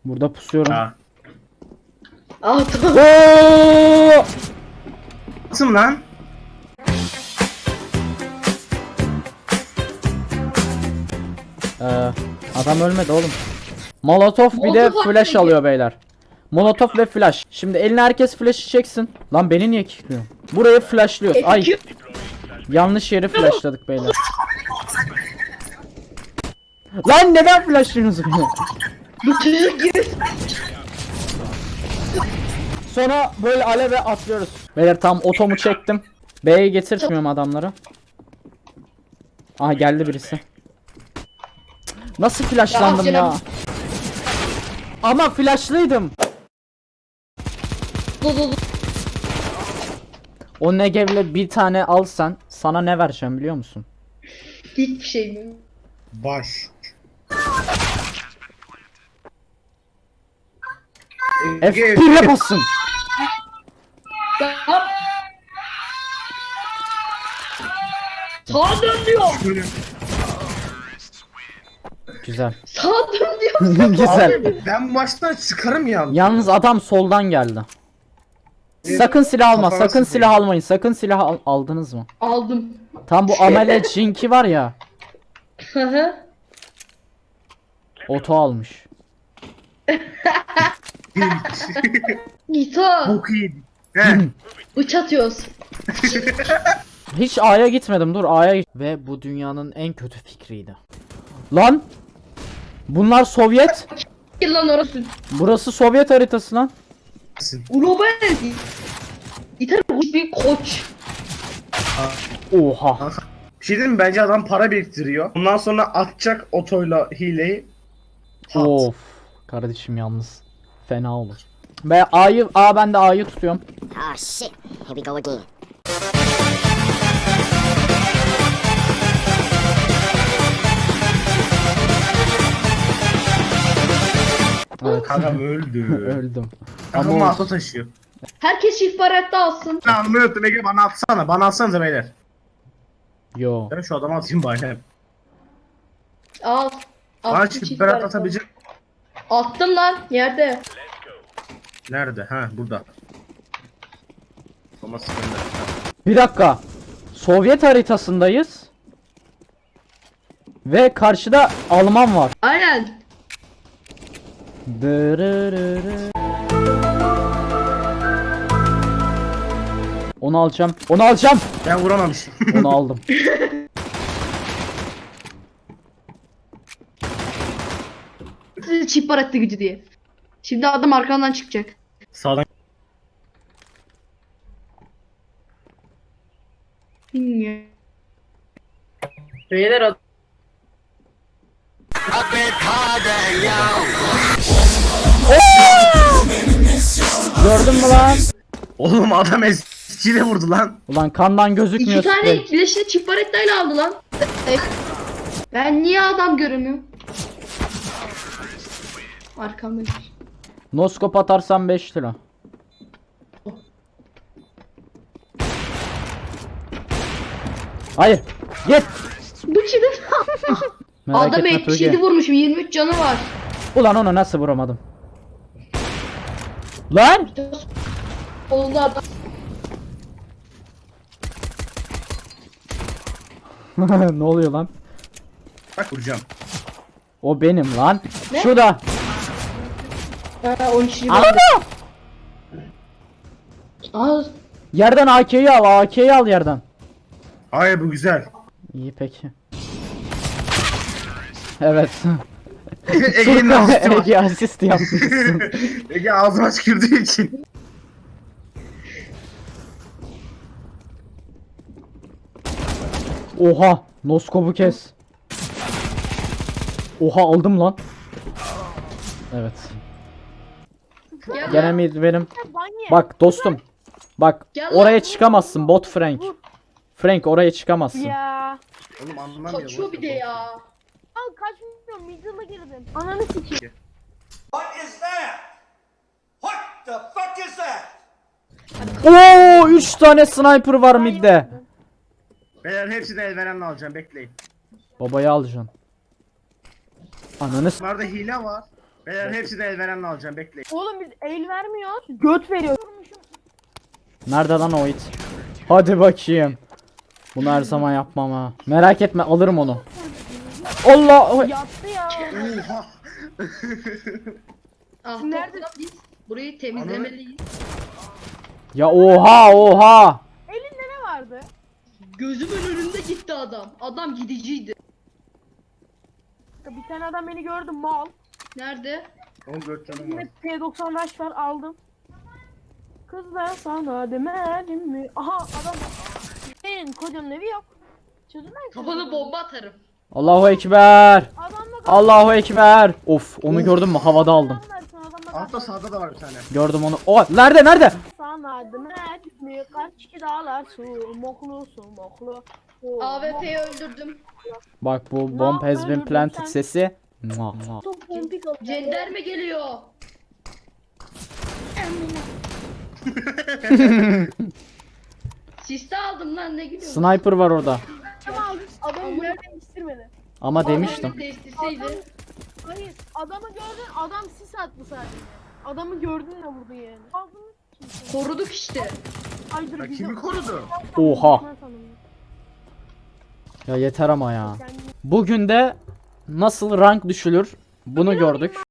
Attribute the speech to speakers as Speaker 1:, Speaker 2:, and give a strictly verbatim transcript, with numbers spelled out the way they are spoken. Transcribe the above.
Speaker 1: Burada pusuyorum.
Speaker 2: Ha.
Speaker 3: Ah tamam.
Speaker 1: Oo!
Speaker 2: Nasıl lan?
Speaker 1: Ee, adam ölmedi oğlum. Molotov bir de
Speaker 3: Molotov
Speaker 1: flash
Speaker 3: peki.
Speaker 1: alıyor beyler. Molotov ve flash. Şimdi eline herkes flash'ı çeksin. Lan beni niye kilitliyor? Burayı flashlıyoruz. Ay yanlış yeri flashladık beyler. Lan neden flashlıyorsunuz beni?
Speaker 3: Bu çocuk gibi.
Speaker 1: Sonra böyle aleve atlıyoruz. Beyler tam otomu çektim. B'ye getirtmiyorum adamları. Aha geldi birisi. Nasıl flashlandım
Speaker 3: Ya,
Speaker 1: ya?
Speaker 3: canım.
Speaker 1: Ama flashlıydım.
Speaker 3: Dur dur dur.
Speaker 1: O Negev'le bir tane alsan sana ne vereceğim biliyor musun?
Speaker 3: Hiçbir şey mi?
Speaker 2: Baş.
Speaker 1: F bir'e basın.
Speaker 3: Tamam. Sağa dön diyor.
Speaker 1: Güzel.
Speaker 3: Sağa dön diyor.
Speaker 1: Güzel.
Speaker 2: Abi ben bu maçtan çıkarım ya.
Speaker 1: Yalnız adam soldan geldi. Sakın silah alma,
Speaker 2: Kafana
Speaker 1: sakın
Speaker 2: sıkayım.
Speaker 1: silah almayın. Sakın silah al- aldınız mı?
Speaker 3: Aldım.
Speaker 1: Tam bu Amele Jinki var ya,
Speaker 3: Hı hı.
Speaker 1: oto almış.
Speaker 3: Gita.
Speaker 2: Çok iyi. He.
Speaker 3: Uç atıyoruz.
Speaker 1: Hiç A'ya gitmedim. Dur A'ya git. Ve bu dünyanın en kötü fikriydi. Lan! Bunlar Sovyet.
Speaker 3: Gel lan orası.
Speaker 1: Burası Sovyet haritası lan.
Speaker 3: Global. Gita bir koç.
Speaker 1: Oha.
Speaker 2: Bir şey diyeyim mi? Bence adam para biriktiriyor. Ondan sonra atacak otoyla hileyi. Hat.
Speaker 1: Of. Kardeşim yalnız. Fena olur. Ve A'yı, A ben de A'yı tutuyorum.
Speaker 4: Ah shit, here we go again.
Speaker 1: Evet.
Speaker 2: Kankam öldü.
Speaker 1: Öldüm.
Speaker 2: Kankam
Speaker 1: Ama
Speaker 2: mağaza taşıyor.
Speaker 3: Herkes çift barette alsın.
Speaker 2: Ben anlamı unuttum Ege, bana atsana. Bana atsanıza beyler.
Speaker 1: yo.
Speaker 2: Ben şu adamı atayım bari.
Speaker 3: Al.
Speaker 2: Bana
Speaker 3: Attım
Speaker 2: çift
Speaker 3: çift
Speaker 2: berat
Speaker 3: barette.
Speaker 2: atabilecek.
Speaker 3: Attım lan yerde.
Speaker 2: Nerede? Ha burada. Ama sıkıntı.
Speaker 1: Bir dakika. Sovyet haritasındayız. Ve karşıda Alman var.
Speaker 3: Aynen.
Speaker 1: Dırırırı. Onu alacağım. Onu alacağım.
Speaker 2: Ben vuramamışım.
Speaker 1: Onu aldım.
Speaker 3: Çift barette gücü diye. Şimdi adam arkandan çıkacak.
Speaker 2: Sağdan.
Speaker 3: Bilmiyorum. Beyler adam.
Speaker 1: Gördün mü lan?
Speaker 2: Oğlum adam eskiyle vurdu lan.
Speaker 1: Ulan kandan gözükmüyor.
Speaker 3: İki tane
Speaker 1: sprey.
Speaker 3: etkileşini çift baretteyle aldı lan. E, Ben niye adam göremiyorum? Arkamda.
Speaker 1: Noskop atarsan beş lira. Hayır. Git.
Speaker 3: Bu çiğdem.
Speaker 1: Merak
Speaker 3: Adam
Speaker 1: etme
Speaker 3: yetmiş yedi
Speaker 1: Tuğge.
Speaker 3: vurmuşum, yirmi üç canı var.
Speaker 1: Ulan onu nasıl vuramadım? Lan!
Speaker 3: Oldu adam.
Speaker 1: Ne oluyor lan?
Speaker 2: Bak vuracağım.
Speaker 1: O benim lan.
Speaker 3: Ne?
Speaker 1: Şurada.
Speaker 3: Ha, on üç yirmi.
Speaker 1: Al.
Speaker 3: Al.
Speaker 1: Yerden A K'yi al. A K'yi al yerden.
Speaker 2: Hayır bu güzel.
Speaker 1: İyi peki. Evet.
Speaker 2: Ege'nin asisti var.
Speaker 1: Ege asist yapmışsın.
Speaker 2: Ege ağzıma tükürdüğü için.
Speaker 1: Oha. Noskop'u kes. Oha aldım lan. Evet.
Speaker 3: Gel
Speaker 1: Gene
Speaker 3: lan.
Speaker 1: mid benim. Bak dostum. Bak
Speaker 3: Gel
Speaker 1: oraya
Speaker 3: lan.
Speaker 1: çıkamazsın bot Frank. Frank oraya çıkamazsın.
Speaker 5: Ya.
Speaker 2: Oğlum anlamıyor.
Speaker 3: Kaçıyor bir de ya.
Speaker 5: Al kaçmıyorum. Middle'a girdim. Ananı sikeyim.
Speaker 6: What is that? What the fuck is that?
Speaker 1: Oo üç tane sniper var midde.
Speaker 2: Beyler hepsini elverenle alacağım, bekleyin.
Speaker 1: Babayı alacaksın. Ananı s-
Speaker 2: Bunlarda hile var. Beyler hepsini elverenle alacağım bekleyin.
Speaker 5: Oğlum biz el vermiyoruz. Göt veriyoruz.
Speaker 1: Nerede lan o it? Hadi bakayım. Bunu her zaman yapmam ha. Merak etme alırım onu. Allah!
Speaker 5: Yattı ya.
Speaker 2: Oha.
Speaker 3: Ah,
Speaker 5: Nerede?
Speaker 3: topla biz burayı temizlemeliyiz.
Speaker 1: Ya oha oha!
Speaker 5: Elinde ne vardı?
Speaker 3: Gözümün önünde gitti adam. Adam gidiciydi.
Speaker 5: Bir tane adam beni gördü mal.
Speaker 3: Nerede?
Speaker 2: on dört canım var.
Speaker 5: Yine P doksan rush var aldım. Kızlar sana demedim mi? Aha adam. Senin kocanın evi yok. Çözümler
Speaker 3: Kafana bomba atarım.
Speaker 1: Allahu ekber!
Speaker 5: Adamla
Speaker 1: Allahu ekber! Of onu gördün mü havada aldım.
Speaker 2: Altta sağda da var bir tane.
Speaker 1: Gördüm onu. O nerede nerede?
Speaker 5: Sana demedim mi? Kaç ki dağlar su moklu su moklu. Oh,
Speaker 3: A W P'yi öldürdüm.
Speaker 1: Bak bu bomb has been planted sesi. Mua, mua.
Speaker 5: Çok pompik oldu.
Speaker 3: Cenderme geliyor. Siste aldım lan, ne gülüyorsun?
Speaker 1: Sniper var orada.
Speaker 5: Adam yer değiştirmedi.
Speaker 1: Ama demiştim.
Speaker 3: Adam değiştirseydi.
Speaker 5: Hayır adamı gördün adam sis attı sadece. Adamı gördün de vurdu yani. Aldın.
Speaker 3: Koruduk işte.
Speaker 5: Ay dur
Speaker 2: Ya
Speaker 5: bizi-
Speaker 2: kimi korudu?
Speaker 1: Oha.
Speaker 5: Ben sandım.
Speaker 1: Ya yeter ama ya.
Speaker 5: Kendini-
Speaker 1: Bugün de nasıl rank düşülür bunu gördük.